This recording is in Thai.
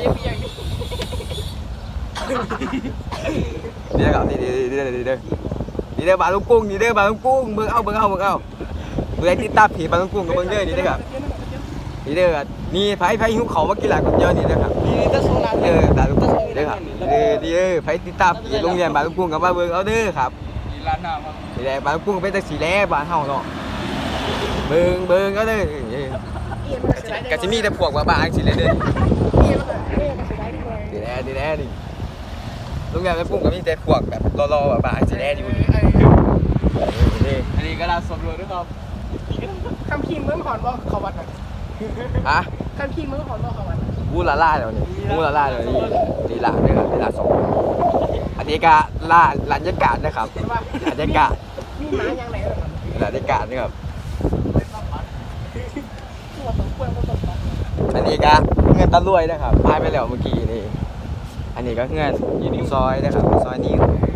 ยังมีอย่างนี้นี่ครับนี่เด้อบาลุงกุ้งนี่เด้อบาลุงกุ้งเบิ่งเอาเบื่อติดตามผีบาลุงกุ้งกับเบิ่งเด้อนี่เด้อครับนี่เด้อนี่ไผหิวเขามากินหลายคนเยอะนี่เด้อครับนี่จะโซลาร์บาลุงกุ้งเด้อครับนี่เด้อไผติดตามผีโรงเรียนบาลุงกุ้งกับมาเบิ่งเอาเด้อครับมีร้านน้ำครับนี่แหละบาลุงกุ้งเป็นจังซี่แหละบ้านเฮาเนาะเบิ่งเอาเด้อก็สิมีแต่พวกบ้าๆจังซี่แหละเด้อนี่แหละนี่โรงเรียนบาลุงกุ้งก็มีแต่พวกแบบรอๆบ้าๆจังซี่แหละอยู่นี่อันนี้ก็เราสำรวจด้วยครับคำคิงเมืองหอนว่าเขาวัดไหนฮะคำคิงเมืองหอนว่าเขาวัดบูลาล่าเดี๋ยวนี้บูลาล่าเดี๋ยวนี้ลีลาเนี่ยครับลีลาสองอันนี้ก็ล่าลัญญากาศนะครับลัญญากาศมีหมาอย่างไหนครับลัญญากาศนี่ครับตัวสองคนตัวสองอันนี้ก็เงินตะลุยนะครับพายไปแล้วเมื่อกี้นี่อันนี้ก็เงินอยู่ในซอยนะครับซอยนี้